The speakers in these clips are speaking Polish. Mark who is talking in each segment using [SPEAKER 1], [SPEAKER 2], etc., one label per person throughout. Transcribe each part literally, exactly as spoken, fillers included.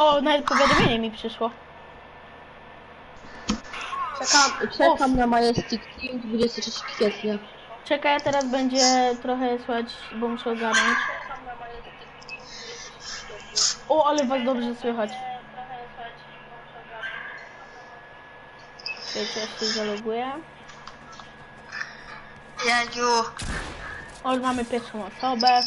[SPEAKER 1] O, nawet powiadomienie mi przyszło.
[SPEAKER 2] Czekam, czekam na Majestic Team dwudziestego trzeciego kwietnia.
[SPEAKER 1] Czekaj, teraz będzie trochę słychać, bo muszę ogarnąć. O, ale was dobrze słychać. Wiecie, ja się zaloguję.
[SPEAKER 3] Jeju.
[SPEAKER 1] O, mamy pierwszą osobę.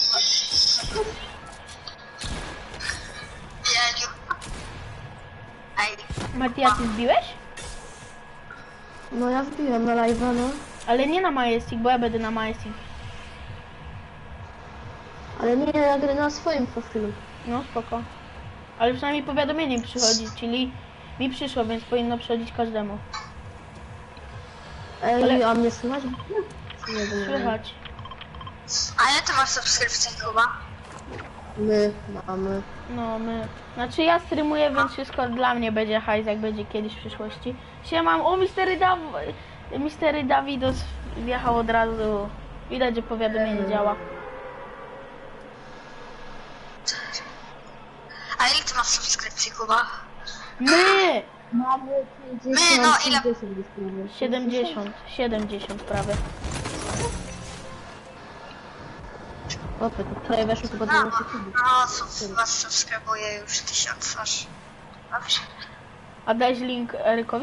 [SPEAKER 3] Jeju. Ej.
[SPEAKER 1] Matia, ty zbiłeś?
[SPEAKER 2] No ja wbiłem na live'a, no.
[SPEAKER 1] Ale nie na Majestic, bo ja będę na Majestic.
[SPEAKER 2] Ale nie nagrę na swoim profilu.
[SPEAKER 1] No, spoko. Ale przynajmniej powiadomienie mi przychodzi, czyli mi przyszło, więc powinno przychodzić każdemu.
[SPEAKER 2] Ej,
[SPEAKER 1] Ale-
[SPEAKER 2] a mnie słychać? Nie wiem.
[SPEAKER 1] Słychać.
[SPEAKER 3] A ile ty masz subskrypcji chyba?
[SPEAKER 2] My mamy.
[SPEAKER 1] No, my... Znaczy ja streamuję, więc wszystko dla mnie będzie hajs, jak będzie kiedyś w przyszłości. Siemam, o, Mistery Daw... Mistery Dawidos wjechał od razu. Widać, że powiadomienie działa.
[SPEAKER 3] A ile ty masz subskrypcji Kuba?
[SPEAKER 1] My!
[SPEAKER 2] Mamy
[SPEAKER 3] My, no, ile-
[SPEAKER 1] siedemdziesiąt, siedemdziesiąt prawie.
[SPEAKER 2] Opy, to wczoraj weszło chyba
[SPEAKER 3] No,
[SPEAKER 2] dwanaście sekund.
[SPEAKER 3] no sub, was subskrybuje już tysiąc aż. Dobrze.
[SPEAKER 1] A dałeś link Erykowi?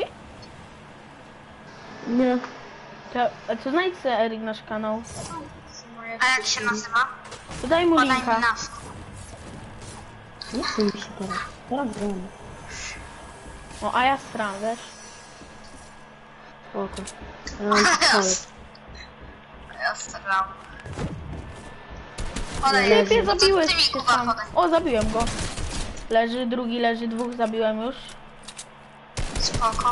[SPEAKER 2] Nie.
[SPEAKER 1] To, a co znajdź sobie Eryk nasz kanał?
[SPEAKER 3] A jak się nazywa?
[SPEAKER 1] To daj mu
[SPEAKER 3] Podaj mi
[SPEAKER 1] linka.
[SPEAKER 3] nazwę.
[SPEAKER 2] Nie chcę mi się teraz. Teraz gram.
[SPEAKER 1] O, a ja stram, wiesz?
[SPEAKER 2] Spoko. Ja mam pistolet.
[SPEAKER 3] Ja staram. Podaj,
[SPEAKER 1] Typie,
[SPEAKER 3] no to
[SPEAKER 1] zabiłeś
[SPEAKER 3] ty mi
[SPEAKER 1] się
[SPEAKER 3] Kuba
[SPEAKER 1] sam.
[SPEAKER 3] podaj.
[SPEAKER 1] O, zabiłem go. Leży, drugi leży, dwóch zabiłem już.
[SPEAKER 3] Spoko.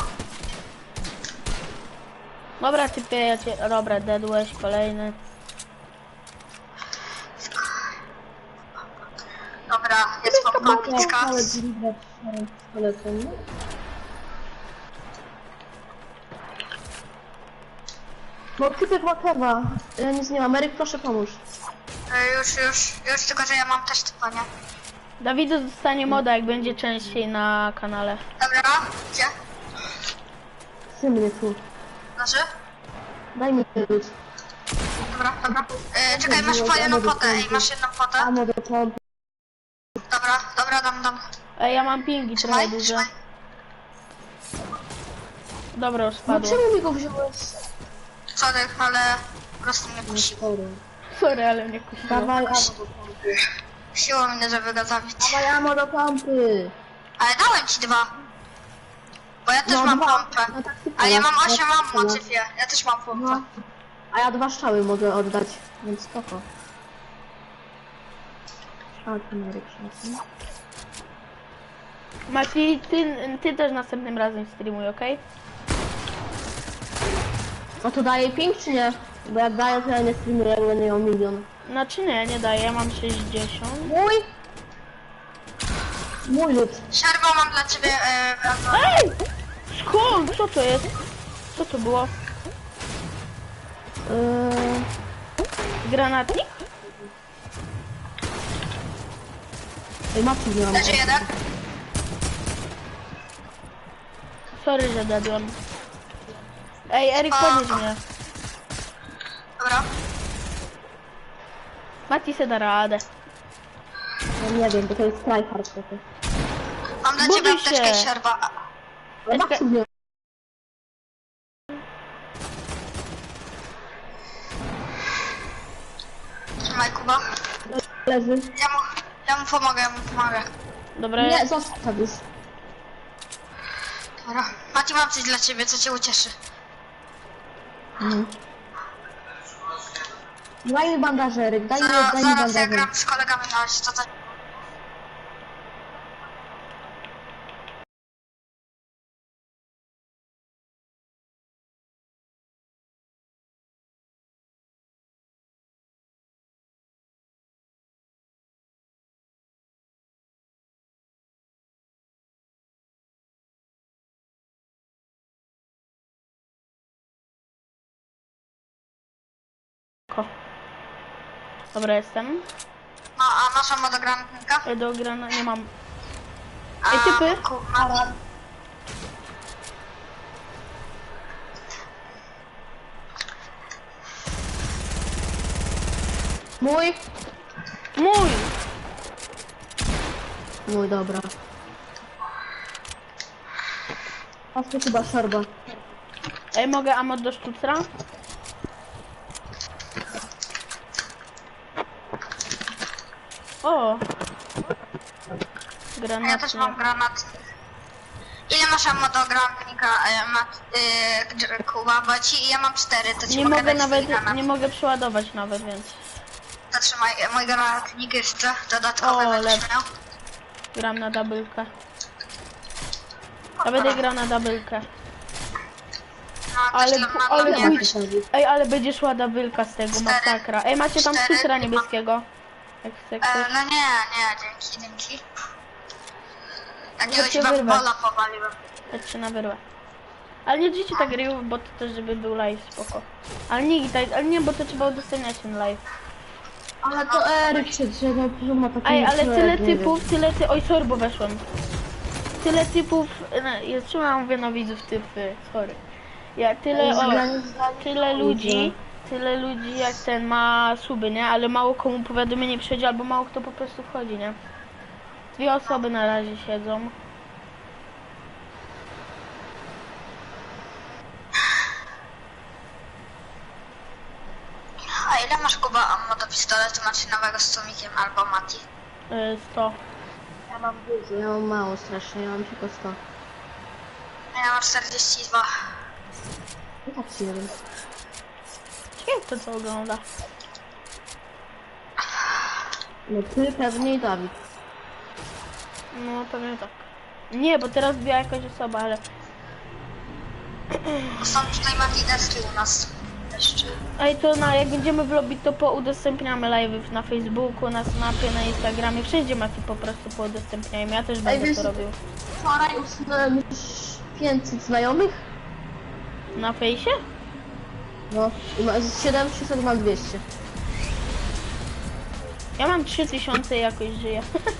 [SPEAKER 1] Dobra, typie, ja cię... Dobra, deadłeś, kolejny.
[SPEAKER 3] Dobra, jest pompownicka.
[SPEAKER 2] Ale dziwne pistoletem, nie? No typek ma kewa. Ja nic nie mam. Eryk, proszę pomóż.
[SPEAKER 3] E, Już, już, już, tylko że ja mam też typa, nie?
[SPEAKER 1] Dawido dostanie moda, jak będzie częściej na kanale.
[SPEAKER 3] Dobra, gdzie?
[SPEAKER 2] Chcę mnie tu.
[SPEAKER 3] Znaczy?
[SPEAKER 2] Daj mi lód.
[SPEAKER 3] Dobra, dobra. E, czekaj, masz po jedną potę, ej, masz jedną potę?
[SPEAKER 2] Amo do pompy.
[SPEAKER 3] Dobra, dobra, dam, dam.
[SPEAKER 1] Ej, ja mam pingi trochę
[SPEAKER 3] Trzymaj,
[SPEAKER 1] duże.
[SPEAKER 3] trzymaj.
[SPEAKER 1] Dobra, już
[SPEAKER 2] No
[SPEAKER 1] spadło.
[SPEAKER 2] czemu mi go wziąłeś?
[SPEAKER 3] Sorry, ale po prostu mnie kusiło.
[SPEAKER 2] Sorry.
[SPEAKER 1] Sorry, ale mnie kusiło.
[SPEAKER 2] Dawaj amo do pompy.
[SPEAKER 3] Kusiło mnie, żeby go zabić.
[SPEAKER 2] Dawaj amo do pompy.
[SPEAKER 3] Ale dałem ci dwa. Bo ja też
[SPEAKER 2] No,
[SPEAKER 3] mam
[SPEAKER 2] dwa.
[SPEAKER 3] pompę.
[SPEAKER 2] No tak tylko.
[SPEAKER 3] A ja mam
[SPEAKER 2] Ja
[SPEAKER 3] osiem
[SPEAKER 2] tak
[SPEAKER 3] ammo,
[SPEAKER 2] samo.
[SPEAKER 3] typie. Ja też mam pompę.
[SPEAKER 2] No. A ja dwa strzały mogę oddać, więc spoko. A, ten Eryk szansa.
[SPEAKER 1] Mati, ty, ty też następnym razem streamuj, okej?
[SPEAKER 2] No to daje ping czy nie? Bo jak daję, to ja nie streamuję, jak będę miał milion.
[SPEAKER 1] Znaczy nie, nie daję, ja mam sześćdziesiąt.
[SPEAKER 2] Mój! Mój lud.
[SPEAKER 3] Siarbo, mam dla ciebie e, wracam.
[SPEAKER 1] Ej! Skąd? Co to jest? Co to było?
[SPEAKER 2] Yy,
[SPEAKER 1] Granatnik?
[SPEAKER 2] Ej, mapki nie mam.
[SPEAKER 3] Leży jeden.
[SPEAKER 1] Sorry, że dadłem. Ej, Eryk,
[SPEAKER 3] O.
[SPEAKER 1] podnieś mnie.
[SPEAKER 3] Dobra.
[SPEAKER 1] Mati se da radę.
[SPEAKER 2] No nie wiem, bo to jest tryhard trochę.
[SPEAKER 3] Mam dla
[SPEAKER 1] Buduj
[SPEAKER 3] ciebie apteczkę
[SPEAKER 1] się.
[SPEAKER 3] siarba.
[SPEAKER 2] Ale
[SPEAKER 1] Jeszcze-
[SPEAKER 2] mapki nie
[SPEAKER 3] Trzymaj, Kuba.
[SPEAKER 2] leży.
[SPEAKER 3] Ja mu, ja mu pomogę, ja mu pomogę.
[SPEAKER 1] Dobra,
[SPEAKER 2] Nie, zostaw już.
[SPEAKER 3] Dobra. Mati, mam coś dla ciebie, co cię ucieszy.
[SPEAKER 2] Mhm. Daj mi bandaże, Eryk, daj mi,
[SPEAKER 3] Zaraz,
[SPEAKER 2] daj mi
[SPEAKER 3] zaraz ja
[SPEAKER 2] bandaże.
[SPEAKER 3] gram z kolegami na razie, to tak.
[SPEAKER 1] Ko. Dobra, jestem.
[SPEAKER 3] No, a masz ammo do granatnika?
[SPEAKER 1] Ej, do grana nie mam. Ej, typy?
[SPEAKER 3] Kuba.
[SPEAKER 2] Mój?
[SPEAKER 1] Mój!
[SPEAKER 2] Mój, dobra. A to chyba szorba.
[SPEAKER 1] Ej, mogę ammo do sztucra? O!
[SPEAKER 3] Ja
[SPEAKER 1] Granat.
[SPEAKER 3] też mam granat. Ile masz ammo do granatnika, e, Mat, y, Kuba? Bo ci, ja mam cztery, to ci
[SPEAKER 1] Nie
[SPEAKER 3] mogę
[SPEAKER 1] mogę
[SPEAKER 3] dać
[SPEAKER 1] nawet,
[SPEAKER 3] swój granat.
[SPEAKER 1] nie mogę przeładować nawet, więc...
[SPEAKER 3] To trzymaj, mój granatnik jeszcze dodatkowy
[SPEAKER 1] O,
[SPEAKER 3] będziesz
[SPEAKER 1] lepszy.
[SPEAKER 3] miał.
[SPEAKER 1] Gram na doublkę. Ja będę grał na doublkę.
[SPEAKER 3] No,
[SPEAKER 1] Ale-
[SPEAKER 3] też dla-
[SPEAKER 1] ale
[SPEAKER 3] dla mnie
[SPEAKER 1] pójdź-
[SPEAKER 3] jakoś-
[SPEAKER 1] Ej, ale będzie szła doubleka z tego,
[SPEAKER 3] Cztery.
[SPEAKER 1] masakra. Ej, macie tam
[SPEAKER 3] Cztery.
[SPEAKER 1] sztucra niebieskiego? Jak chce
[SPEAKER 3] E,
[SPEAKER 1] ktoś.
[SPEAKER 3] no nie, nie, dzięki, dzięki. Jakiegoś
[SPEAKER 1] Chodźcie wyrwę.
[SPEAKER 3] bambola powaliłem.
[SPEAKER 1] Chodźcie na wyrwę. Ale nie dzieci tak rył, bo to też żeby był live, spoko. Ale nie, tak, ale nie, bo to trzeba udostępniać ten live.
[SPEAKER 2] Ale to Eryk się drzewa, że ma taki
[SPEAKER 1] Ej, ale
[SPEAKER 2] człowiek,
[SPEAKER 1] tyle
[SPEAKER 2] nie wiem.
[SPEAKER 1] typów, tyle ty... Oj, sorry, bo weszłem. Tyle typów... No, ja trzymam, mówię na widzów typy, sorry. Ja tyle, o,
[SPEAKER 2] Zdanie, zdanie,
[SPEAKER 1] tyle ludzi, tyle ludzi jak ten ma suby, nie? Ale mało komu powiadomienie przychodzi, albo mało kto po prostu wchodzi, nie? Dwie osoby na razie siedzą.
[SPEAKER 3] A ile masz Kuba ammo do pistoletu maszynowego z tłumikiem albo Mati?
[SPEAKER 1] Yy, sto.
[SPEAKER 2] Ja mam dużo, ja mam mało strasznie, ja mam tylko sto.
[SPEAKER 3] Ja mam czterdzieści dwa.
[SPEAKER 2] I tak się nie wiem.
[SPEAKER 1] Ciekawe kto co ogląda.
[SPEAKER 2] No ty pewnie i Dawid.
[SPEAKER 1] No pewnie tak. Nie, bo teraz była jakaś osoba, ale...
[SPEAKER 3] Są tutaj magineski u nas jeszcze.
[SPEAKER 1] Ej, to na, jak będziemy w lobby, to poudostępniamy live'y na Facebooku, na Snapie, na Instagramie. Wszędzie Mati po prostu poudostępniajmy. Ja też będę
[SPEAKER 2] wiesz-
[SPEAKER 1] to robił.
[SPEAKER 2] Wczoraj usunąłem już pięćset znajomych.
[SPEAKER 1] Na fejsie?
[SPEAKER 2] No, i ma- z siedem tysięcy mam dwieście.
[SPEAKER 1] Ja mam trzy tysiące i jakoś żyję.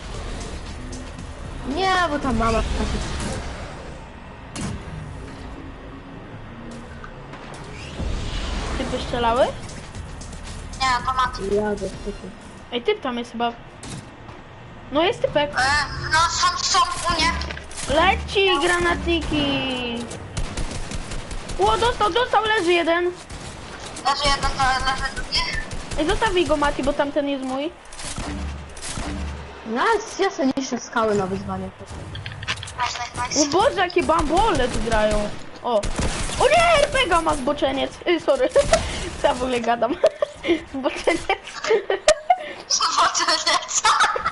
[SPEAKER 2] Nie, bo tam mama taki.
[SPEAKER 1] Ty wyszczelały?
[SPEAKER 3] Nie, to Mati.
[SPEAKER 2] Jadę, typy.
[SPEAKER 1] Ej, typ tam jest chyba. No jest typek.
[SPEAKER 3] E, no są, są u mnie.
[SPEAKER 1] Leci granatniki. Ło, dostał, dostał, leży jeden.
[SPEAKER 3] Leży jeden, to leży drugi.
[SPEAKER 1] Ej, zostawij go Mati, bo tamten jest mój.
[SPEAKER 2] No, ja sobie niższe skały na wyzwanie.
[SPEAKER 3] Nice, nice,
[SPEAKER 1] O
[SPEAKER 3] nice.
[SPEAKER 1] Boże, jakie bambole tu grają. O. O nie, er pe gie a ma zboczeniec. Ej, sorry. Co ja w ogóle gadam? Zboczeniec.
[SPEAKER 3] Zobaczę, co?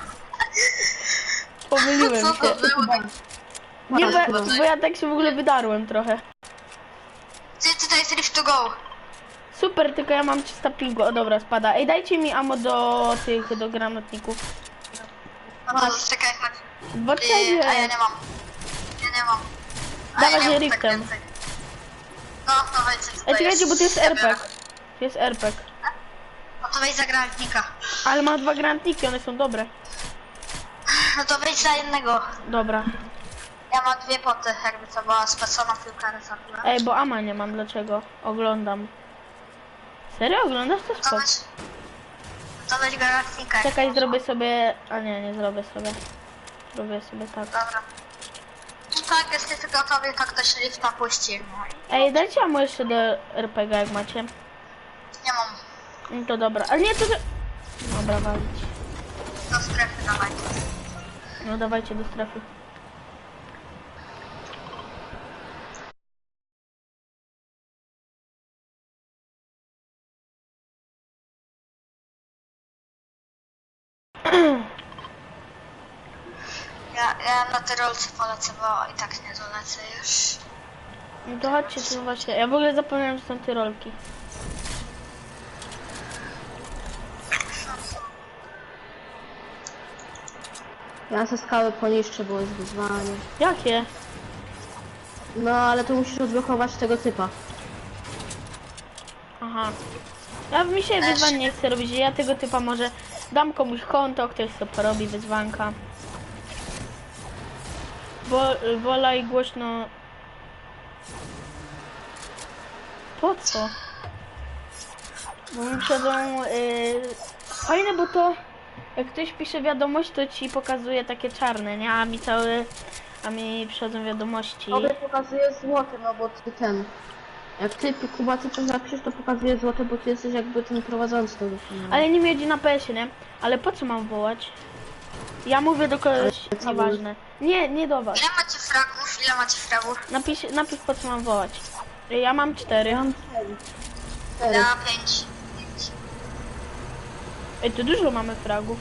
[SPEAKER 1] Pomyliłem
[SPEAKER 3] Co to
[SPEAKER 1] się.
[SPEAKER 3] było?
[SPEAKER 1] Nie, bo, bo ja tak się w ogóle wydarłem trochę.
[SPEAKER 3] Ty, tutaj jest Rift to go.
[SPEAKER 1] Super, tylko ja mam trzysta pingu. O dobra, spada. Ej, dajcie mi ammo do tych, do granatników.
[SPEAKER 3] No to czekaj, chodź. Yy, a ja
[SPEAKER 1] Zboczeniec.
[SPEAKER 3] nie mam. Ja nie mam. A
[SPEAKER 1] Dawaj
[SPEAKER 3] ja nie
[SPEAKER 1] je
[SPEAKER 3] mam
[SPEAKER 1] Riftem.
[SPEAKER 3] więcej. No, to wejdź.
[SPEAKER 1] Ej, czekajcie, bo to jest er pe gie. To jest er pe gie.
[SPEAKER 3] No to wejdź za granatnika.
[SPEAKER 1] Ale ma dwa granatniki, one są dobre.
[SPEAKER 3] No to wejdź za jednego.
[SPEAKER 1] Dobra.
[SPEAKER 3] Ja mam dwie poty, jakby to była specona piłka resortowa.
[SPEAKER 1] Ej, bo ama nie mam, dlaczego? Oglądam. Serio? Oglądasz to
[SPEAKER 3] To
[SPEAKER 1] spoko.
[SPEAKER 3] weź... To weź granatnika.
[SPEAKER 1] Czekaj, zrobię sobie... A nie, nie zrobię sobie. Zrobię sobie tak.
[SPEAKER 3] Dobra. No tak, jesteś gotowy, to ktoś lifta puści.
[SPEAKER 1] Ej, dajcie ammo jeszcze do er pe gie, jak macie.
[SPEAKER 3] Nie mam.
[SPEAKER 1] No to dobra. Ale nie, to... to- Dobra, walić.
[SPEAKER 3] Do strefy dawaj.
[SPEAKER 1] No dawajcie do strefy.
[SPEAKER 3] Ja, ja na tyrolce polecę, bo i tak nie dolecę już.
[SPEAKER 1] No to chodźcie tu właśnie. Ja w ogóle zapomniałem, że są tyrolki.
[SPEAKER 2] Ja se skały poniszczę, bo jest wyzwanie.
[SPEAKER 1] Jakie?
[SPEAKER 2] No, ale to musisz odblokować tego typa.
[SPEAKER 1] Aha. Ja mi się wyzwań nie chcę robić. Ja tego typa może dam komuś konto, ktoś sobie porobi wyzwanka. Wo, wola i głośno. Po co? Bo mi przychodzą... Yy, fajne, bo to... Jak ktoś pisze wiadomość, to ci pokazuje takie czarne, nie? A mi cały... A mi przychodzą wiadomości.
[SPEAKER 2] Tobie pokazuje złote, no bo ty ten... Jak ty, Kuba, ty coś napiszesz, to pokazuje złote, bo ty jesteś jakby ten prowadzący tego kanału.
[SPEAKER 1] Ale nie miedzi na P S ie, nie? Ale po co mam wołać? Ja mówię do kogoś,
[SPEAKER 2] Ale co
[SPEAKER 1] nieważne. Nie, nie do was.
[SPEAKER 3] Ile macie fragów? Ile macie fragów?
[SPEAKER 1] Napisz, napisz po co mam wołać. Ja mam cztery.
[SPEAKER 2] Ja mam cztery. Cztery.
[SPEAKER 3] Ja pięć. Pięć.
[SPEAKER 1] Ej, to dużo mamy fragów.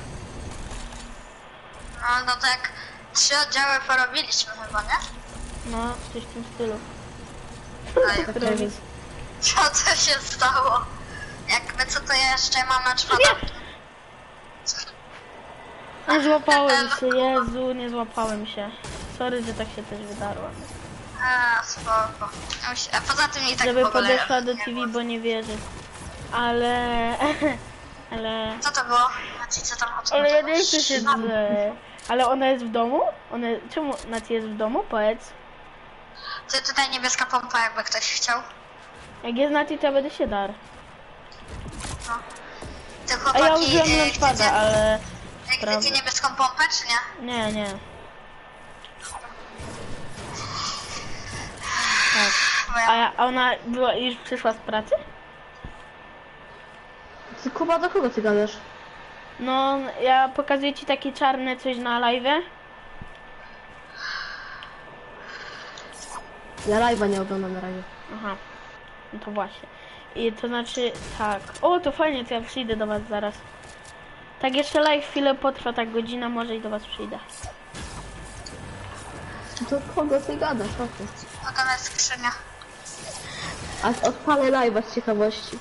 [SPEAKER 3] No, no tak trzy oddziały porobiliśmy chyba, nie?
[SPEAKER 1] No, coś w tym stylu.
[SPEAKER 3] Ej,
[SPEAKER 2] Cztery.
[SPEAKER 3] co to się stało? Jakby co to ja jeszcze mam na czwartą?
[SPEAKER 1] Nie złapałem się, Jezu, nie złapałem się. Sorry, że tak się też wydarło.
[SPEAKER 3] A, spoko. A poza tym i tak
[SPEAKER 1] Żeby
[SPEAKER 3] w ogóle
[SPEAKER 1] podeszła do
[SPEAKER 3] nie
[SPEAKER 1] T V,
[SPEAKER 3] było.
[SPEAKER 1] bo nie wierzy. Ale... Ale...
[SPEAKER 3] Co to było? Znaczy, co tam o co
[SPEAKER 1] Ale ja
[SPEAKER 3] chodziło?
[SPEAKER 1] nie chcę się drze. Ale ona jest w domu? Ona... Czemu Nati jest w domu? Powiedz.
[SPEAKER 3] Ty tutaj niebieska pompa, jakby ktoś chciał.
[SPEAKER 1] Jak jest Nati, to ja będę się dar.
[SPEAKER 3] No. Ty
[SPEAKER 1] A
[SPEAKER 3] chłopaki,
[SPEAKER 1] ja użyłem
[SPEAKER 3] e,
[SPEAKER 1] launchpada,
[SPEAKER 3] chcecie,
[SPEAKER 1] ale...
[SPEAKER 3] e,
[SPEAKER 1] prawda.
[SPEAKER 3] chcecie niebieską pompę, czy nie?
[SPEAKER 1] Nie, nie. Tak.
[SPEAKER 3] Bo ja-
[SPEAKER 1] A, ja, a ona była, już przyszła z pracy?
[SPEAKER 2] Ty, Kuba, do kogo ty gadasz?
[SPEAKER 1] No, ja pokazuję ci takie czarne coś na live.
[SPEAKER 2] Ja live'a nie oglądam na razie.
[SPEAKER 1] Aha, no to właśnie. I to znaczy, tak. O, to fajnie, to ja przyjdę do was zaraz. Tak jeszcze live chwilę potrwa, tak godzina może i do was przyjdę.
[SPEAKER 2] Do kogo ty gadasz? O ty.
[SPEAKER 3] O, tam jest skrzynia.
[SPEAKER 2] A odpalę live'a z ciekawości.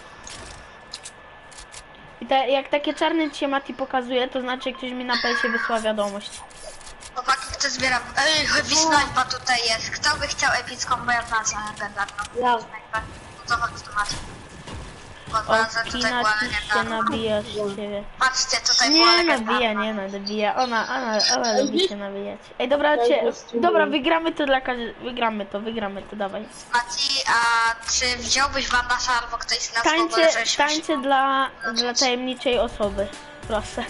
[SPEAKER 1] I te, jak takie czarne ci się Mati pokazuje, to znaczy ktoś mi na P S ie wysłał wiadomość.
[SPEAKER 3] Chłopaki, kto zbiera... Ej, heavy sniper tutaj jest. Kto by chciał epicką, bo ja w nazwę legendarną.
[SPEAKER 2] Ja.
[SPEAKER 3] Sniper. No to chodź tu macie. Pod
[SPEAKER 1] O,
[SPEAKER 3] nazwę tutaj była
[SPEAKER 1] Kina ci się
[SPEAKER 3] legendarna.
[SPEAKER 1] nabija z ciebie.
[SPEAKER 3] Patrzcie, tutaj była
[SPEAKER 1] Nie
[SPEAKER 3] legendarna.
[SPEAKER 1] nabija, nie nabija. Ona, ona, ona lubi się nabijać. Ej, dobra, cię, dobra, wygramy to dla każdego. Wygramy to, wygramy to, dawaj.
[SPEAKER 3] Mati, a czy wziąłbyś bandaża albo ktoś z nas w ogóle,
[SPEAKER 1] Tańce,
[SPEAKER 3] żebyśmy się-
[SPEAKER 1] tańce dla, dla tajemniczej osoby. Proszę.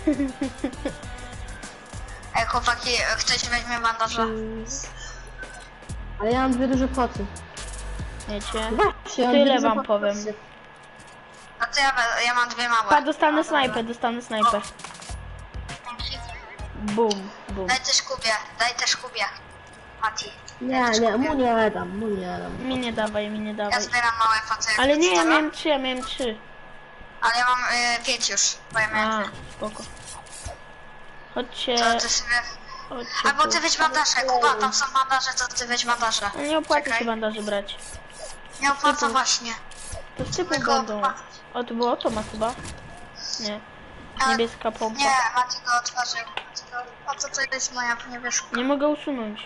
[SPEAKER 3] Ej, chłopaki, ktoś weźmie bandaża.
[SPEAKER 2] Ale ja mam dwie duże poty.
[SPEAKER 1] Wiecie?
[SPEAKER 2] Właśnie, mam
[SPEAKER 1] Tyle
[SPEAKER 2] dwie duże
[SPEAKER 1] wam
[SPEAKER 2] poty.
[SPEAKER 1] powiem.
[SPEAKER 3] A to ja, be- ja mam dwie małe.
[SPEAKER 1] Pa, dostanę snajpę, dostanę snajpę.
[SPEAKER 3] Dzięki.
[SPEAKER 1] Bum, bum.
[SPEAKER 3] Daj też Kubie, daj też Kubie. Mati.
[SPEAKER 2] Nie, nie, mu nie dam, mu nie dam.
[SPEAKER 1] Mi nie dawaj, mi nie
[SPEAKER 3] Ja
[SPEAKER 1] dawaj.
[SPEAKER 3] zbieram małe foty. jak
[SPEAKER 1] Ale nie, ja
[SPEAKER 3] zostawiam.
[SPEAKER 1] miałem trzy, ja miałem trzy.
[SPEAKER 3] Ale ja mam y, pięć już, bo ja miałem
[SPEAKER 1] A,
[SPEAKER 3] dwie.
[SPEAKER 1] spoko. Chodźcie,
[SPEAKER 3] To ty sobie...
[SPEAKER 1] chodźcie
[SPEAKER 3] Albo
[SPEAKER 1] tu.
[SPEAKER 3] ty weź bandaże, Kuba, tam są bandaże, to ty weź bandaże.
[SPEAKER 1] No nie opłaca
[SPEAKER 3] Czekaj.
[SPEAKER 1] się bandaży brać.
[SPEAKER 3] Nie opłaca właśnie.
[SPEAKER 1] To z typu
[SPEAKER 3] Tylko
[SPEAKER 1] będą.
[SPEAKER 3] opłaca.
[SPEAKER 1] O, to było to ma chyba? Nie.
[SPEAKER 3] A,
[SPEAKER 1] Niebieska pompa.
[SPEAKER 3] Nie, Mati go otworzył. Mati go... A co to jest moja niebieska?
[SPEAKER 1] Nie mogę usunąć.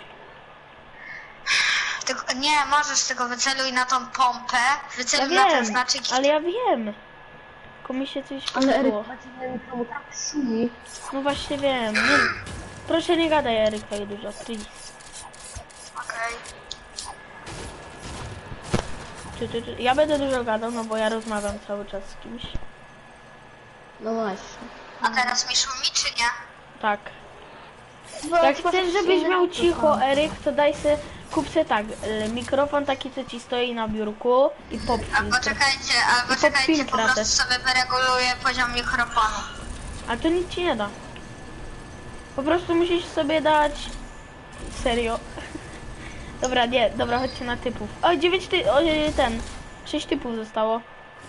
[SPEAKER 3] Tylko, nie, możesz tego wyceluj na tą pompę,
[SPEAKER 1] Ja
[SPEAKER 3] wyceluj na ten
[SPEAKER 1] wiem,
[SPEAKER 3] znaczek i...
[SPEAKER 1] ale ja wiem. Tylko mi się coś
[SPEAKER 2] Ale Eryk,
[SPEAKER 1] pomyliło.
[SPEAKER 2] macie na mikromu tak szumi.
[SPEAKER 1] No właśnie wiem. Nie... Proszę nie gadaj Eryk tak dużo, please.
[SPEAKER 3] Okej.
[SPEAKER 1] Ty, ty, ty. Ja będę dużo gadał, no bo ja rozmawiam cały czas z kimś.
[SPEAKER 2] No właśnie.
[SPEAKER 3] A teraz mi szumi, czy nie?
[SPEAKER 1] Tak. Jak chcesz, żebyś miał cicho, Eryk, to daj se, kup se tak, y, mikrofon taki, co ci stoi na biurku i pop
[SPEAKER 3] Albo
[SPEAKER 1] filtr.
[SPEAKER 3] czekajcie, albo
[SPEAKER 1] pod
[SPEAKER 3] czekajcie, po
[SPEAKER 1] filtra
[SPEAKER 3] prostu
[SPEAKER 1] też.
[SPEAKER 3] sobie wyreguluję poziom mikrofonu.
[SPEAKER 1] A to nic ci nie da. Po prostu musisz sobie dać... Serio. Dobra, nie, dobra, chodźcie na typów. O, dziewięć ty... O, y, ten. Sześć typów zostało.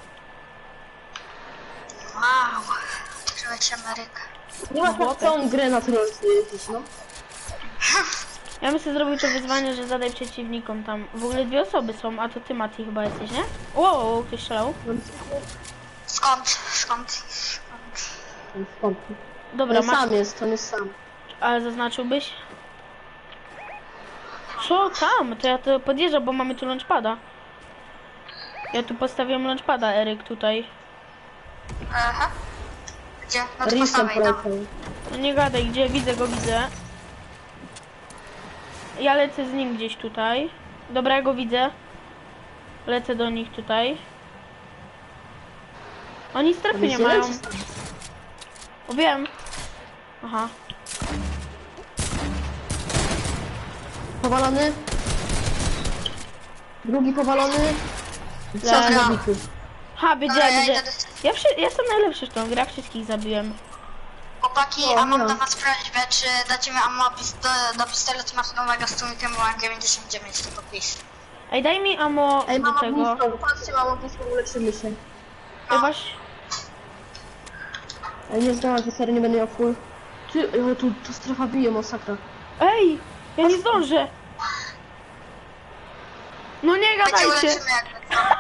[SPEAKER 3] Wow. Trzymać Amerykę.
[SPEAKER 2] Nie ma tak całą grę na trójce jeździć, no.
[SPEAKER 1] Ja bym sobie zrobił to wyzwanie, że zadaj przeciwnikom tam. W ogóle dwie osoby są, a to ty Mati chyba jesteś, nie? Wow, ktoś strzelał.
[SPEAKER 3] Skąd? Skąd? Skąd?
[SPEAKER 2] Skąd?
[SPEAKER 1] Dobra,
[SPEAKER 2] On
[SPEAKER 1] masz...
[SPEAKER 2] sam jest, on jest sam.
[SPEAKER 1] Ale zaznaczyłbyś? Co tam? To ja to podjeżdżam, bo mamy tu launchpada. Ja tu postawiłem launchpada, Eryk, tutaj.
[SPEAKER 3] Aha. Gdzie? No to
[SPEAKER 2] Risem
[SPEAKER 3] postawaj tam.
[SPEAKER 2] poleciał.
[SPEAKER 1] No nie gadaj, gdzie? Widzę go, widzę. ja lecę z nim gdzieś tutaj. Dobra, ja go widzę. Lecę do nich tutaj. Oni strefy nie mają. O, wiem. Aha.
[SPEAKER 2] Powalony. Drugi powalony.
[SPEAKER 1] Leży.
[SPEAKER 2] Zabity.
[SPEAKER 1] Ha,
[SPEAKER 3] Dobra,
[SPEAKER 1] wiedziałem,
[SPEAKER 3] ja
[SPEAKER 1] że...
[SPEAKER 3] idę do...
[SPEAKER 1] Ja, wszy... ja jestem najlepszy w tą grę, wszystkich zabiłem.
[SPEAKER 3] Chłopaki,
[SPEAKER 2] O,
[SPEAKER 3] a mam
[SPEAKER 2] no.
[SPEAKER 3] do was prośbę, czy dacie mi ammo pist do, do pistoletu maszynowego z tłumikiem, bo mam dziewięćdziesiąt dziewięć, tylko please.
[SPEAKER 1] Ej, daj mi ammo
[SPEAKER 2] Ej,
[SPEAKER 1] do
[SPEAKER 2] mama
[SPEAKER 1] tego.
[SPEAKER 2] blisko. Patrzcie, mama blisko, uleczymy się.
[SPEAKER 1] Ej, właśnie...
[SPEAKER 2] Ej, nie zdałam, że serio nie będę miał full. Ty, o, tu, tu strefa bije, masakra.
[SPEAKER 1] Ej, ja nie zdążę. No nie
[SPEAKER 3] My cię
[SPEAKER 1] gadajcie.
[SPEAKER 3] uleczymy jakby co.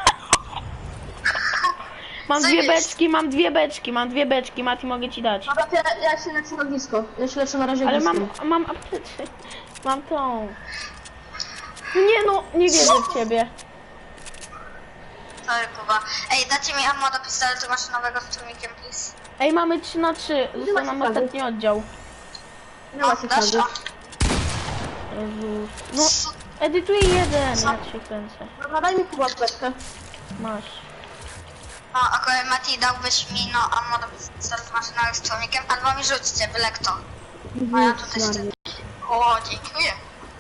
[SPEAKER 1] Mam
[SPEAKER 3] Co
[SPEAKER 1] dwie
[SPEAKER 3] jest?
[SPEAKER 1] beczki, mam dwie beczki, mam dwie beczki, Mati, mogę ci dać.
[SPEAKER 2] Dobra, to ja, ja się leczę na blisko. Ja się leczę na razie
[SPEAKER 1] Ale
[SPEAKER 2] blisko.
[SPEAKER 1] mam, mam apteczkę. Mam tą. Nie no, nie wierzę w ciebie.
[SPEAKER 3] Sorry, Kuba. Ej, dacie mi ammo do pistoletu maszynowego z tłumikiem, please.
[SPEAKER 1] Ej, mamy trzy na trzy. Został nam
[SPEAKER 2] macie
[SPEAKER 1] ostatni oddział.
[SPEAKER 2] Nie ma się
[SPEAKER 3] dasz?
[SPEAKER 2] wtedy.
[SPEAKER 1] Jezus. No, edytuję jeden. Ja się kręcę.
[SPEAKER 2] Dobra, daj mi Kuba apteczkę.
[SPEAKER 1] Masz.
[SPEAKER 3] No, akurat Mati, dałbyś mi no ammo do pistoletu maszynowego z tłumikiem, albo mi rzućcie, byle kto. A ja tutaj
[SPEAKER 2] Jezus
[SPEAKER 3] chcę...
[SPEAKER 2] Maria.
[SPEAKER 3] O, dziękuję.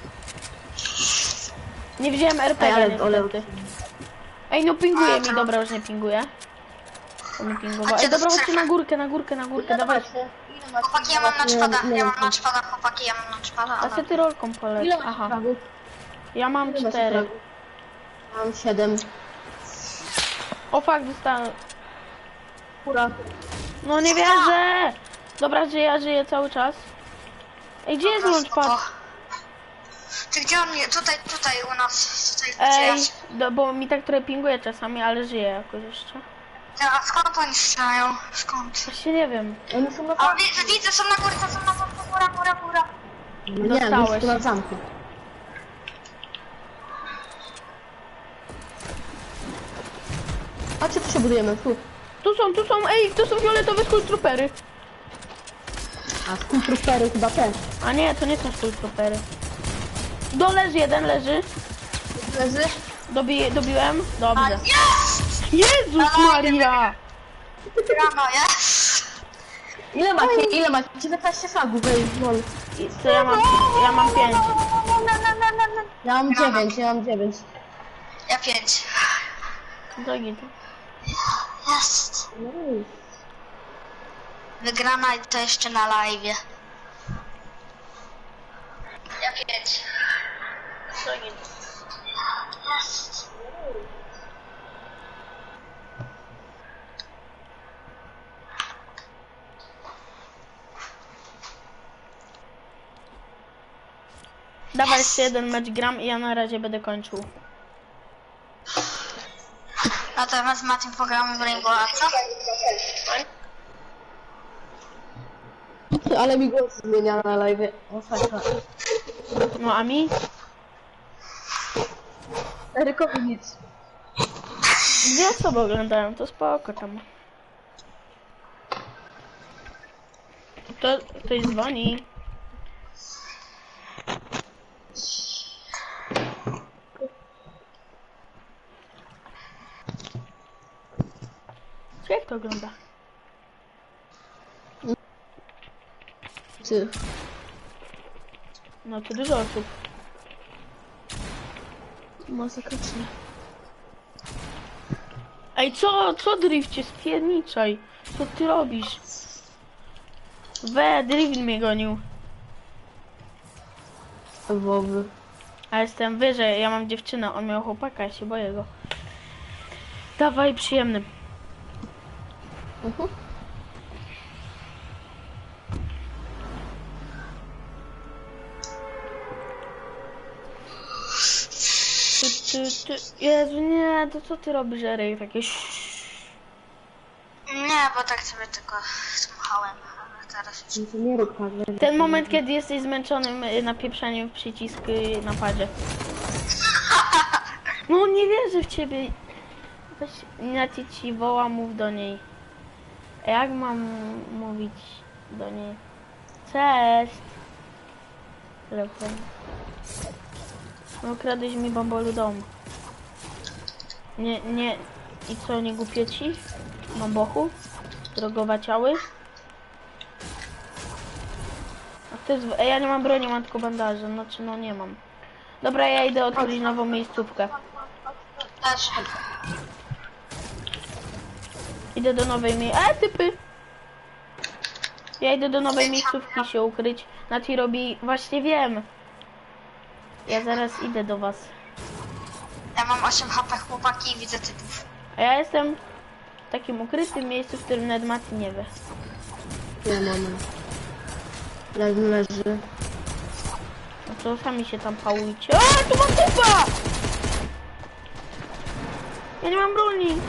[SPEAKER 1] Nie wziąłem R P
[SPEAKER 2] Ej,
[SPEAKER 1] G
[SPEAKER 2] ale- ale-
[SPEAKER 1] niestety. Ej, no pinguje mi, dobra, już nie pinguje. To mi pingowało.
[SPEAKER 3] Chodźcie
[SPEAKER 1] Ej,
[SPEAKER 3] do
[SPEAKER 1] dobra, chodźcie
[SPEAKER 3] strefy.
[SPEAKER 1] na górkę, na górkę, na górkę, dawaj.
[SPEAKER 2] Ile macie?
[SPEAKER 3] Chłopaki, ja mam
[SPEAKER 2] Nie,
[SPEAKER 3] lunchpada,
[SPEAKER 2] nie
[SPEAKER 3] ja
[SPEAKER 2] mam
[SPEAKER 3] mam lunchpada, chłopaki, ja mam lunchpada,
[SPEAKER 1] A
[SPEAKER 3] ale...
[SPEAKER 1] co ty rolką poleć?
[SPEAKER 2] Ile macie
[SPEAKER 1] Aha,
[SPEAKER 2] fragów?
[SPEAKER 1] ja mam
[SPEAKER 2] Ile macie
[SPEAKER 1] cztery.
[SPEAKER 2] fragów? Mam siedem.
[SPEAKER 1] O fuck, dostałem.
[SPEAKER 2] Kura.
[SPEAKER 1] No nie wierzę! Dobra, że ja żyję cały czas. Ej, gdzie jest
[SPEAKER 3] Dobra,
[SPEAKER 1] launchpad?
[SPEAKER 3] spoko. Ty gdzie on jest? Tutaj, tutaj u nas, tutaj
[SPEAKER 1] Ej,
[SPEAKER 3] gdzieś.
[SPEAKER 1] do, bo mi tak trochę pinguje czasami, ale żyję jakoś jeszcze.
[SPEAKER 3] A skąd oni strzelają? Skąd?
[SPEAKER 1] Właśnie nie wiem.
[SPEAKER 2] Oni są na
[SPEAKER 3] O,
[SPEAKER 2] zamku.
[SPEAKER 3] widzę, widzę, są na górce, są na górce, góra, góra, góra.
[SPEAKER 2] Nie,
[SPEAKER 1] Dostałeś.
[SPEAKER 2] oni są na zamku. A czy tu się budujemy? Tu.
[SPEAKER 1] Tu są, tu są, ej, to są fioletowe skulltroopery.
[SPEAKER 2] A skulltroopery chyba też.
[SPEAKER 1] A nie, to nie są skulltroopery. Do leży, jeden leży.
[SPEAKER 2] Leży?
[SPEAKER 1] Dobi, dobiłem? Dobrze.
[SPEAKER 3] Jest!
[SPEAKER 1] Jezus Maria!
[SPEAKER 3] Rano, jest!
[SPEAKER 2] Ile macie? Ile macie? dziewiętnaście fragów, ej, lol.
[SPEAKER 1] I co ja mam? Ja mam pięć.
[SPEAKER 2] Ja mam dziewięć, ja mam dziewięć.
[SPEAKER 3] Ja pięć.
[SPEAKER 1] Do git.
[SPEAKER 3] Jest! Wygrana i to jeszcze na live'ie. Ja pięć.
[SPEAKER 1] Do git.
[SPEAKER 3] Jest!
[SPEAKER 1] Dawaj jeszcze jeden mecz gram i ja na razie będę kończył.
[SPEAKER 3] Natomiast Maciej pogramy w Rainbow, a co?
[SPEAKER 2] Ale mi głos zmienia na live. O, fajna.
[SPEAKER 1] No a mi?
[SPEAKER 2] Erykowi nic.
[SPEAKER 1] Dwie osoby oglądają, to spoko tam. To ktoś dzwoni. Jak to ogląda?
[SPEAKER 2] Ty.
[SPEAKER 1] No to dużo osób.
[SPEAKER 2] Masakrycznie.
[SPEAKER 1] Ej, co, co drifcie, spierniczaj? Co ty robisz? We, drift mnie gonił.
[SPEAKER 2] Wowy.
[SPEAKER 1] A jestem wyżej, ja mam dziewczynę, on miał chłopaka, ja się boję go. Dawaj, przyjemny.
[SPEAKER 2] Mhm.
[SPEAKER 1] Ty, ty, ty. Jezu, nie, to co ty robisz, Eryk? Takie
[SPEAKER 3] Nie, bo tak sobie tylko dmuchałem, ale teraz już...
[SPEAKER 2] No to nie rób tak. nie?
[SPEAKER 1] ten moment, kiedy jesteś zmęczonym y, napieprzaniem w przycisk y, na padzie. No nie wierzę w ciebie. Weź, Naci ci woła, mów do niej. A jak mam mówić do niej? Cześć. Telefon. No kradłeś mi bambolu dom. Nie, nie. I co, nie głupie ci? Bambochu? Drogowaciały? A to jest... Ej, ja nie mam broni, mam tylko bandaże. Znaczy, no nie mam. Dobra, ja idę odkryć nową miejscówkę.
[SPEAKER 3] Też.
[SPEAKER 1] Idę do nowej mie... E, typy! Ja idę do nowej miejscówki się ukryć. Nati robi... Właśnie wiem. Ja zaraz idę do was.
[SPEAKER 3] Ja mam osiem H P chłopaki i widzę typów.
[SPEAKER 1] A ja jestem w takim ukrytym miejscu, w którym nawet Mati nie wie.
[SPEAKER 2] Nie mamy. Leży, leży.
[SPEAKER 1] No to sami się tam pałujcie. A, tu mam typa! Ja nie mam broni.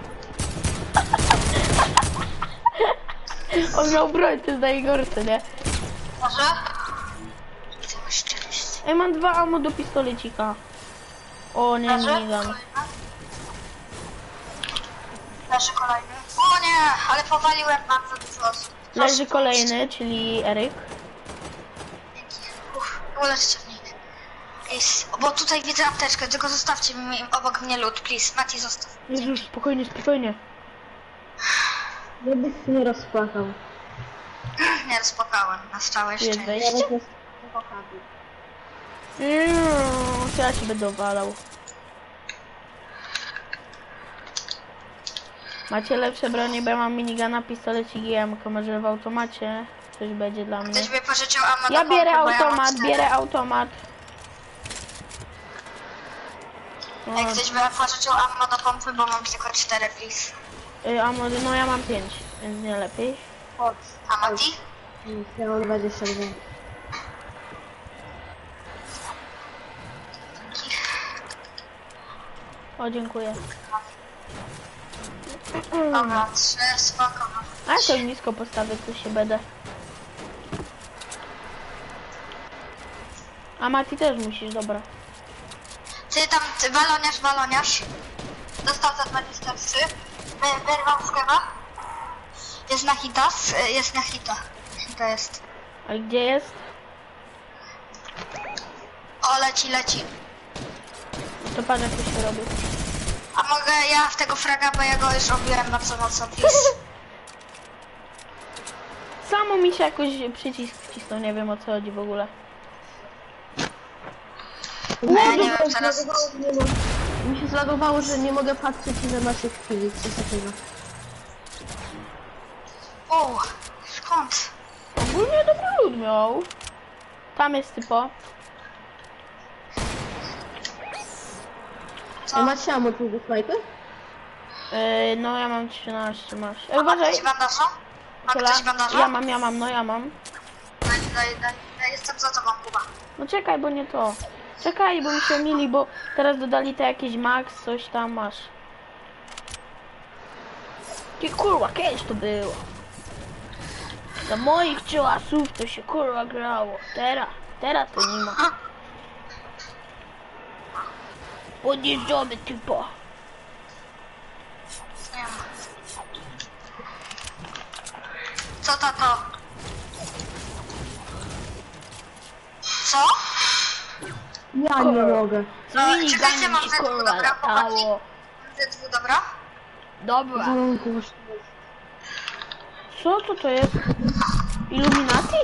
[SPEAKER 1] On miał broń, to jest najgorsze, nie?
[SPEAKER 3] Może? Widzę szczerość.
[SPEAKER 1] Ej, mam dwa ammo do pistolecika. O, nie,
[SPEAKER 3] Leży?
[SPEAKER 1] minigun.
[SPEAKER 3] Leży kolejny. O nie, ale powaliłem bardzo dużo osób.
[SPEAKER 1] Leży kolejny, czyli Eryk.
[SPEAKER 3] Dzięki. Uff, uleczcie mnie. Jest, bo tutaj widzę apteczkę, tylko zostawcie mi obok mnie lód, please. Mati, zostaw.
[SPEAKER 1] Jezus, spokojnie, spokojnie.
[SPEAKER 2] Żebyś się nie rozpłakał.
[SPEAKER 3] Nie rozpakałem, na całe
[SPEAKER 1] Jest
[SPEAKER 3] szczęście.
[SPEAKER 1] wejście?
[SPEAKER 2] Teraz jest kochany.
[SPEAKER 1] Mm, to ja się będę walał. Macie lepsze bronie, bo ja mam minigana, pistolet i G M K. Może w automacie coś będzie dla mnie.
[SPEAKER 3] Ktoś by pożyczył ammo
[SPEAKER 1] Ja
[SPEAKER 3] do
[SPEAKER 1] bierę
[SPEAKER 3] pompy, bo ja mam
[SPEAKER 1] automat,
[SPEAKER 3] cztery.
[SPEAKER 1] bierę automat. No,
[SPEAKER 3] Jak ktoś by pożyczył ammo do pompy, bo mam tylko cztery, please.
[SPEAKER 1] y, a może, no ja mam pięć, więc nie lepiej.
[SPEAKER 2] Chodź.
[SPEAKER 3] A Mati?
[SPEAKER 2] Ja mam dwadzieścia dwa.
[SPEAKER 1] O, dziękuję.
[SPEAKER 3] Dobra, trzy, spoko.
[SPEAKER 1] A ja to blisko postawię, tu się będę. A Mati też musisz, dobra.
[SPEAKER 3] Ty tam, ty baloniarz, baloniarz. Dostał za dwadzieścia trzy. Wy- Wyrwał z kewa. Jest na hita, s- jest na hita. Hita jest.
[SPEAKER 1] A gdzie jest?
[SPEAKER 3] O, leci, leci.
[SPEAKER 1] To patrz jak to się robi.
[SPEAKER 3] A mogę ja w tego fraga, bo ja go już robiłem bardzo mocno, please.
[SPEAKER 1] Samo mi się jakoś przycisk wcisnął, nie wiem o co chodzi w ogóle.
[SPEAKER 3] No ja nie wiem, teraz...
[SPEAKER 2] Mi się zlagowało, że nie mogę patrzeć ile macie chwili, coś takiego.
[SPEAKER 3] O, skąd?
[SPEAKER 1] Ogólnie dobry lud miał. Tam jest typo.
[SPEAKER 3] Co?
[SPEAKER 2] A macie ammo tu do snajpy?
[SPEAKER 1] Yy, no ja mam trzynaście, masz. Ej,
[SPEAKER 3] A ma
[SPEAKER 1] uważaj.
[SPEAKER 3] ktoś bandaża? Ma
[SPEAKER 1] Kula.
[SPEAKER 3] ktoś bandaża?
[SPEAKER 1] Ja mam, ja mam, no ja mam.
[SPEAKER 3] Daj, daj, daj. Ja jestem za tobą, Kuba.
[SPEAKER 1] No czekaj, bo nie to. Czekaj, bo mi się mili, bo teraz dodali te jakieś max, coś tam masz. Ty kurwa, kiedyś to było. Za moich czasów to się kurwa grało. Teraz, teraz to nie ma. Podjeżdżamy typo.
[SPEAKER 3] Nie ma. Co to to? Co?
[SPEAKER 2] Ja nie mogę.
[SPEAKER 1] Z
[SPEAKER 3] No, czekajcie,
[SPEAKER 1] miniganem
[SPEAKER 3] mam
[SPEAKER 1] się
[SPEAKER 3] ze dwóch,
[SPEAKER 1] kurwa
[SPEAKER 3] dobra, chłopaki.
[SPEAKER 1] latało.
[SPEAKER 3] Ze dwóch, dobra?
[SPEAKER 1] Dobra.
[SPEAKER 2] Mam głośno.
[SPEAKER 1] Co to to jest? Illuminati?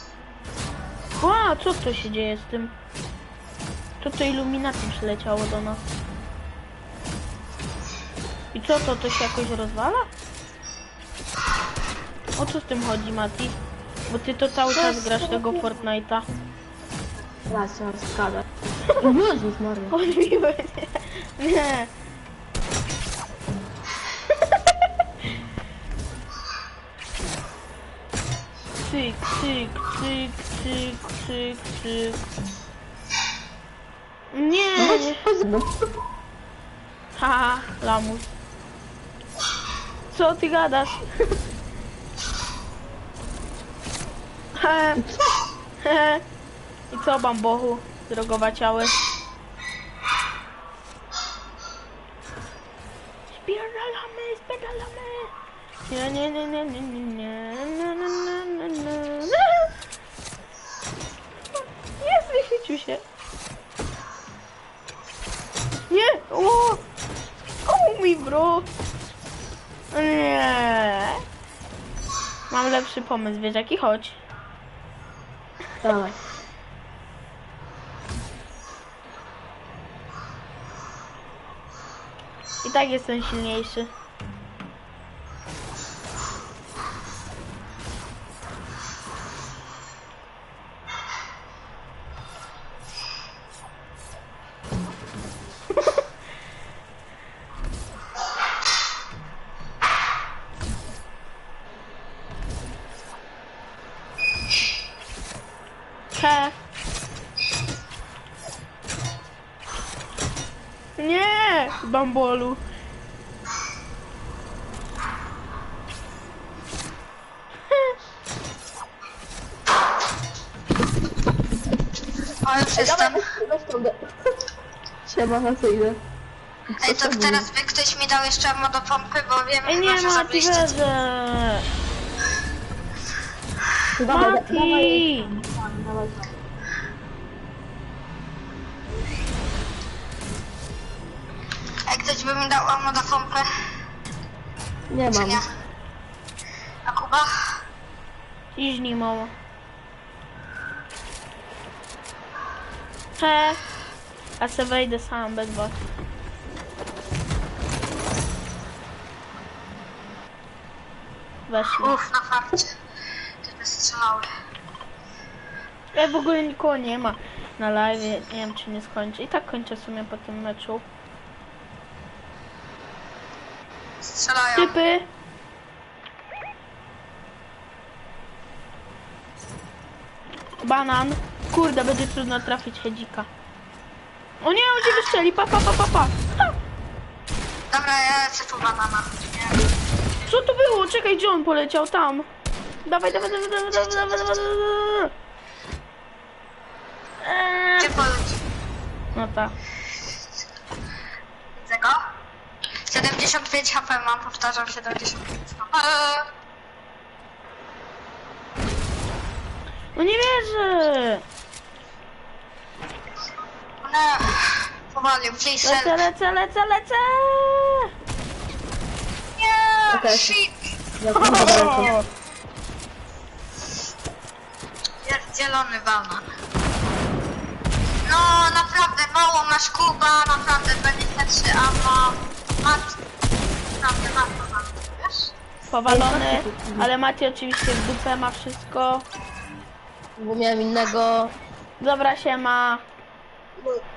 [SPEAKER 1] A, co to się dzieje z tym? Co to Illuminati przyleciało do nas? I co to, to się jakoś rozwala? O co z tym chodzi, Mati? Bo ty to cały czas grasz tego Fortnite'a.
[SPEAKER 2] Racja, skada. Jezus Maria.
[SPEAKER 1] Odbiły nie. Nie. Cyk, cyk, cyk, cyk, cyk, cyk. Nie, nie. Haha, lamus. Co ty gadasz? He, he. I co, bambochu? Drogowaciały. Spierdalamy, spierdalamy. Nie, nie, nie, nie, nie, nie, nie, nie, nie, nie, nie, nie. Jest, wychwycił się. mi, bro. Nie. Mam lepszy pomysł, wiesz jaki? Chodź.
[SPEAKER 2] Dawaj.
[SPEAKER 1] I tak jestem silniejszy. He. Nie, bambolu.
[SPEAKER 3] O, już jestem.
[SPEAKER 2] Weź tą de... Siema, na co idę?
[SPEAKER 3] Ej, to teraz by ktoś mi dał jeszcze modopompy, bo wiem,
[SPEAKER 1] Ej, nie,
[SPEAKER 3] że
[SPEAKER 1] Mati,
[SPEAKER 3] zabiliście.
[SPEAKER 1] wezmę.
[SPEAKER 2] Dawaj,
[SPEAKER 1] Mati.
[SPEAKER 2] dawaj. Dawaj.
[SPEAKER 3] Ej, ktoś by mi dał modopompę,
[SPEAKER 2] Nie
[SPEAKER 3] czy
[SPEAKER 2] mam.
[SPEAKER 3] nie? A Kuba?
[SPEAKER 1] Idź nim, mamo. He. A se wejdę sam bez was. Weszli.
[SPEAKER 3] Uff, na farcie. Ty wystrzelały.
[SPEAKER 1] Ja w ogóle nikogo nie ma na live, nie wiem czy nie skończę. I tak kończę w sumie po tym meczu.
[SPEAKER 3] Strzelają.
[SPEAKER 1] Typy! Banan. Kurde, będzie trudno trafić Hedzika. O nie, on cię wystrzeli, pa, pa, pa, pa, pa. Ha!
[SPEAKER 3] Dobra, ja lecę po banana. Nie.
[SPEAKER 1] Co to było? Czekaj, gdzie on poleciał? Tam. Dawaj, dawaj, dawaj, dawaj, dawaj, dawaj, dawaj, dawaj. Eee.
[SPEAKER 3] Gdzie poleci?
[SPEAKER 1] No tak.
[SPEAKER 3] Widzę go. siedemdziesiąt pięć H P mam, powtarzam, siedemdziesiąt pięć H P.
[SPEAKER 1] No nie wierzę.
[SPEAKER 3] Nie. Powalił, please
[SPEAKER 1] Lecę,
[SPEAKER 3] help.
[SPEAKER 1] lecę, lecę, lecę.
[SPEAKER 3] Nie,
[SPEAKER 2] Okej.
[SPEAKER 3] shit.
[SPEAKER 1] O!
[SPEAKER 3] Pierdzielony banan. No, naprawdę, mało masz Kuba, naprawdę, dwadzieścia trzy ammo. Mat. Naprawdę, mat banan, wiesz?
[SPEAKER 1] Powalony, ale Macie oczywiście w dupę ma wszystko.
[SPEAKER 2] Bo miałem innego.
[SPEAKER 1] Dobra, siema.
[SPEAKER 2] No,